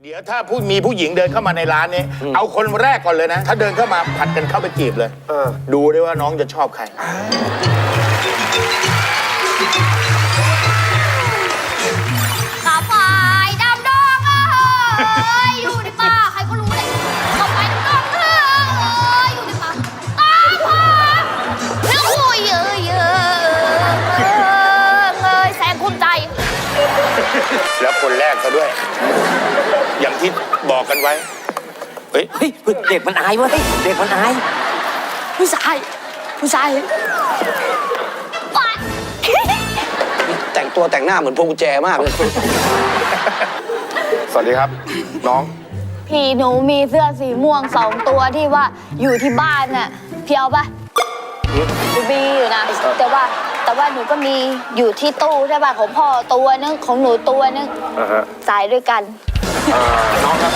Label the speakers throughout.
Speaker 1: ดี๋ยวถ้ามีผู้หญิงเดินเข้ามาในร้านนี้เอาคนแรกก่อนเลยนะ ถ้าเดินเข้ามาผัดกันเข้าไปจีบเลยดูได้ว่าน้องจะชอบใคร
Speaker 2: กาไฟดำดองอยู่ในป่าใครก็รู้เลยกาไฟดำดองอยู่ในป่าตาพาแล้วคุยเยอะแสงภูมิใจ
Speaker 1: แล้วคนแรกซะด้วยอย่างที่บอกกันไว้เฮ้ย
Speaker 3: เด็กมันอายเว้ยเด็กมันอายผู้ชาย
Speaker 4: แต่งตัวแต่งหน้าเหมือนพวงกุญแจมากเลย
Speaker 1: สวัสดีครับน้อง
Speaker 2: พี่หนูมีเสื้อสีม่วง2 ตัวที่ว่าอยู่ที่บ้านน่ะพี่เอาปะบีอยู่นะแต่ว่าหนูก็มีอยู่ที่ตู้ใช่ป่ะของพ่อตัวนึงของหนูตัวนึงใส่ด้วยกัน
Speaker 1: น้องครับ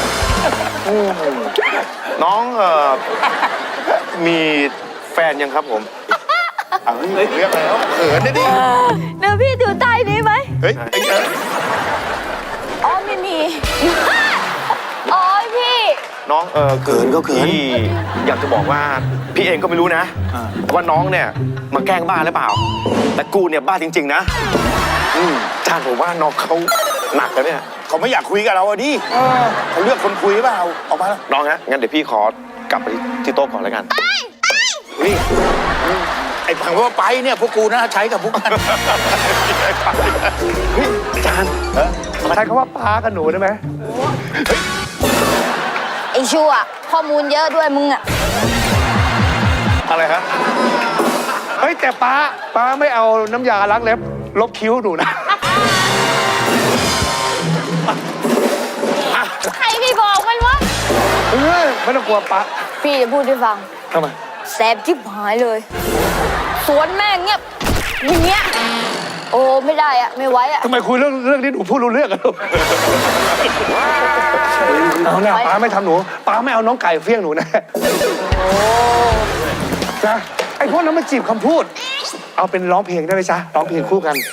Speaker 1: น้องมีแฟนยังครับผมเรียกแล้วเขินได้ดิ
Speaker 2: เดี๋ยวพี่ดูใต้นี้ไหม
Speaker 1: เฮ้ย
Speaker 2: อ๋อไม่มีอ๋อพี่
Speaker 1: น้องเขินก็เขินพี่อยากจะบอกว่าพี่เองก็ไม่รู้นะว่าน้องเนี่ยมาแกล้งบ้าหรือเปล่าแต่กูเนี่ยบ้าจริงๆนะจานผมว่าน้องเขาหนักแล้วเนี่ยเขาไม่อยากคุยกับเราดิเขาเลือกคนคุยหรือเปล่าออกมาแล้วน้องฮะงั้นเดี๋ยวพี่ขอกลับไปที่โต๊ะก่อนแล้วกันนี่ไอ้ผังว่าไปเนี่ยพวกกูนะใช้กับพวกกันจาน
Speaker 5: ใช้คำว่าป้ากับหนูได้ไหม
Speaker 2: ไอ้ชั่วข้อมูลเยอะด้วยมึงอะ
Speaker 1: อะไรครับ
Speaker 5: เฮ้ยแต่ป้าไม่เอาน้ำยาล้างเล็บลบคิ้วหนูนะ
Speaker 2: ใครพี่บอกมันวะ
Speaker 5: ไม่ต้องกลัวป้า
Speaker 2: พี่จะพูดให้ฟัง
Speaker 5: ทำไม
Speaker 2: แสบจิ๊บหายเลยสวนแม่งเงียบอย่างเงี้ยโอ้ไม่ได้อะไม่ไหวอะ
Speaker 5: ทำไมคุยเรื่องนี้หนูพูดรู้เรื่องกันลูกเอาเนี่ยป้าไม่ทำหนูป้าไม่เอาน้องไก่เฟี้ยงหนูนะนะไอ้พวกนั้นมันจีบคำพูดเอาเป็นร้องเพลงได้ไหมจ๊ะร้องเพลงคู่กัน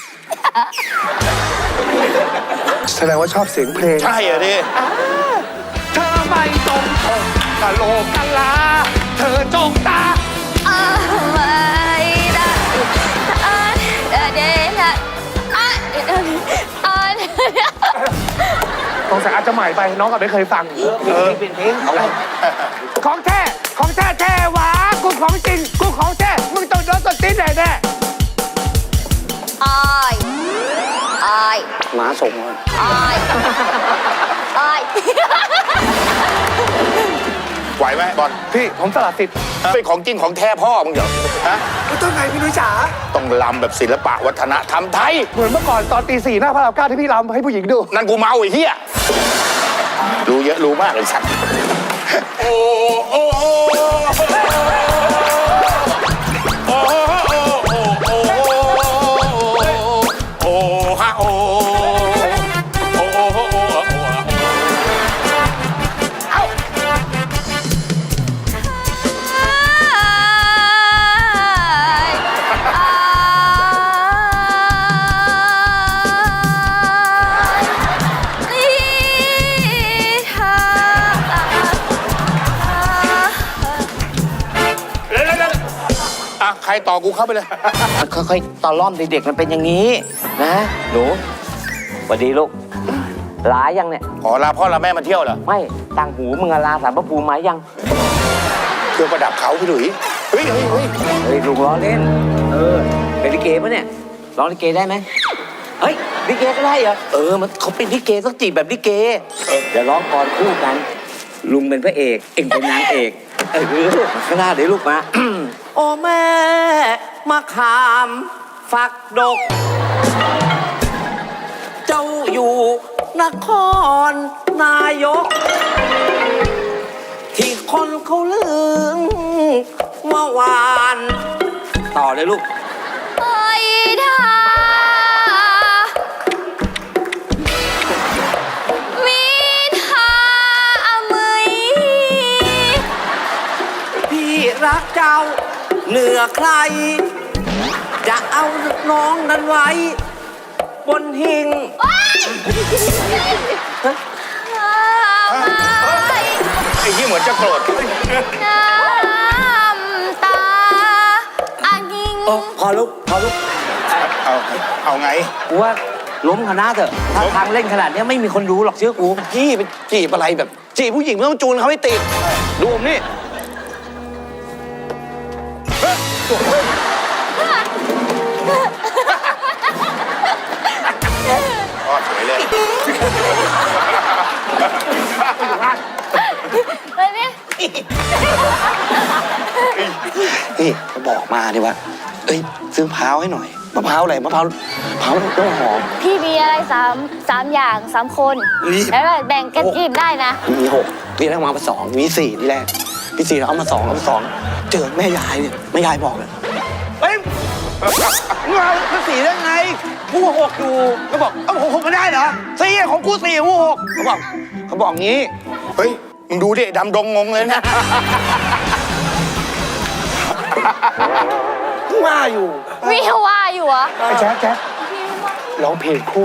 Speaker 5: แสดงว่าชอบเสียงเพลง
Speaker 1: ใช่เหรอดิ
Speaker 5: เธอไม่ตรงปกกะโหลกกะลาเธอจงตา
Speaker 2: ไม่ได้
Speaker 5: สงสัยอาจจะใหม่ไปน้องก็ไม่เคยฟัง
Speaker 3: เป็นเพลงอะไร
Speaker 5: ของแท้หวากูของจริงกูของแท้มึงต้องโดนต้นตีนแน่
Speaker 2: อาย
Speaker 4: หมาส่งมา
Speaker 2: อาย
Speaker 1: ไหวไหมบอล
Speaker 5: พี่ผมสลัดสิทธิ์
Speaker 1: เป็นของจริงของแท้พ่อมึงเหรอฮะ
Speaker 5: ต้องไงพี่นุ้ยจ๋า
Speaker 1: ต้องลำแบบศิลปะวัฒนธรรมไทย
Speaker 5: เหมือนเมื่อก่อนตอนตี 4หน้าพระราม 9ที่พี่ลำให้ผู้หญิงดู
Speaker 1: นั่นกูเมาไอ้เหี้ยรู้เยอะรู้มากเลยสัตว์โอ้โอ้โอ้โอ้โอ้ฮะโอ้ใครต่อกูเข้าไปเลย
Speaker 3: ค่อยๆตอล่อมเด็กๆมันเป็นอย่างนี้นะหนูสวัสดีลูกลายังเนี่ย
Speaker 1: ขอลาพ่อลาแม่มาเที่ยวเหรอ
Speaker 3: ไม่ต่างหูมึงลาสารพระภูมิไหมยัง
Speaker 1: เครื่องประดับเขาพี่หลุยเฮ้ย
Speaker 3: ลุงล้อเล่นเป็นลิเกปะเนี่ยร้องลิเกได้ไหมเฮ้ยลิเกก็ได้เหรอมันเขาเป็นลิเกต้องจีบแบบลิเกเดี๋ยวร้องกรคู่กันลุงเป็นพระเอกเอ็งเป็นนางเอกข้างหน้าเดี๋ยวลูกมาโอ้แม่มะขามฝักดกเจ้าอยู่นครนายกที่คนเขาลือเมื่อวานต่อเลยลูก
Speaker 2: ไปท่าวิทาเมย
Speaker 3: พี่รักเจ้าเหนือใครจะเอาน้องนั้นไว้บนหิ้ง
Speaker 1: เหมือนจะโกรธ
Speaker 2: น้ำตาอายิง
Speaker 3: พอลุก
Speaker 1: เอาไง
Speaker 3: กูว่าล้มคณะเถอะถ้าทางเล่นขนาดเนี้ยไม่มีคนรู้หรอกเชื่อกู
Speaker 4: พี่ไปจีบอะไรแบบจีบผู้หญิงไม่ต้องจูนเขาไม่ติดดูผมนี่
Speaker 1: พ่อเฉยเลย
Speaker 2: ไปนี่
Speaker 4: นี่เขาบอกมาดิว่าเอ้ยซื้อมะพร้าวให้หน่อยมะพร้าวอะไรมะพร้าวต้นหอม
Speaker 2: พี่มีอะไรสามอย่าง3 คน
Speaker 4: รีบ
Speaker 2: แล้วเราแบ่งกันกินได้นะ
Speaker 4: มี6พี่แรกมา2มี4ที่แรกพี่4เอามา2เอามา2เจอแม่ยายเนี่ยแม่ยายบอกเลยเฮ้ยมึงเอามา4ได้ไงกู6อยู่ก็บอกเอ้า6ไม่ได้เหรอ4ของกู4กู6เขาบอกงี้
Speaker 1: เฮ้ย มึงดูดิดำดงงงเลยนะ
Speaker 4: ว่าอยู่
Speaker 2: มีว่าอยู่เหรอ
Speaker 5: ไอ้แจ๊คร้องเพลงคู่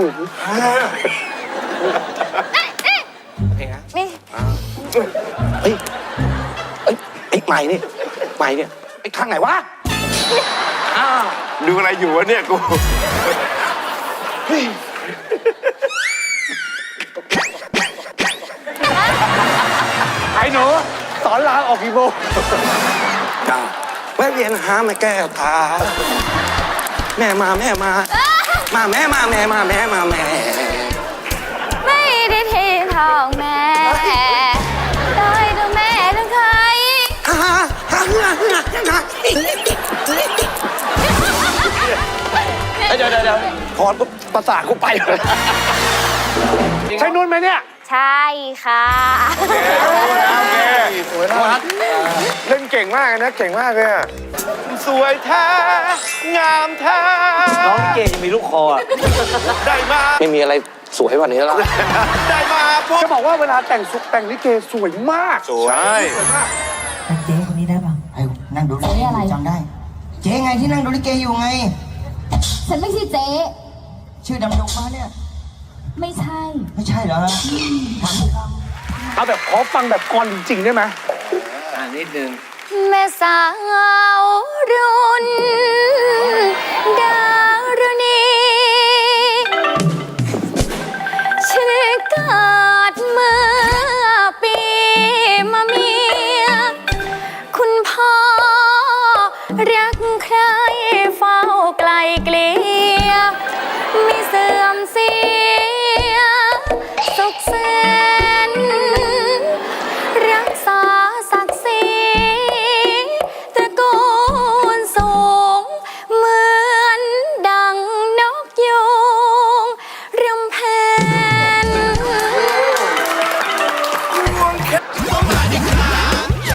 Speaker 2: นี่
Speaker 4: เฮ้ยไอ้ใหม่เนี่ยไอ้ข้างไหนวะ
Speaker 1: ดูอะไรอยู่วะเนี่ยกู
Speaker 5: ไอ้หนูสอนรามออกกี่โมง
Speaker 4: จ้าแวะเวียนหาแม่แก้วตาแม่มาแม่มาแม่
Speaker 2: ไม่ได้เททองแม่โดยตัวแม่ทั้งใคร
Speaker 4: เดี๋ยวพอปุ๊บประสาทกูไปเลย
Speaker 5: ใช่นุ่นไหมเนี่ย
Speaker 2: ใช่ค่ะ
Speaker 1: โอเคสวยนะเล่นเก่งมากนะ เก่งมากเลยอะสวยแท้ งามแท้
Speaker 3: น้องลิเกจะมีลูกคออะ
Speaker 1: ได้มา
Speaker 4: ไม่มีอะไรสวยกว่านี้แล้ว
Speaker 1: ได้มาปุ๊บ
Speaker 5: จะบอกว่าเวลาแต่งลิเกสวยมาก
Speaker 1: สวย
Speaker 6: เจ๊คนนี้ได้ป่ะไอ้นั่งดูลิเกอยู่จำได้ เจ๊ไงที่นั่งดูลิเกอยู่ไง
Speaker 2: ฉันไม่ใช่เจ๊
Speaker 6: ชื่อดำดงมาเนี่ย
Speaker 2: ไม่ใช่
Speaker 6: ไม่ใช่เหรอฮะถามสิครับ
Speaker 5: เอาแบบขอฟังแบบกรจริงๆได้ไหม
Speaker 3: นิดนึง
Speaker 2: แม่สาวรุ่นดา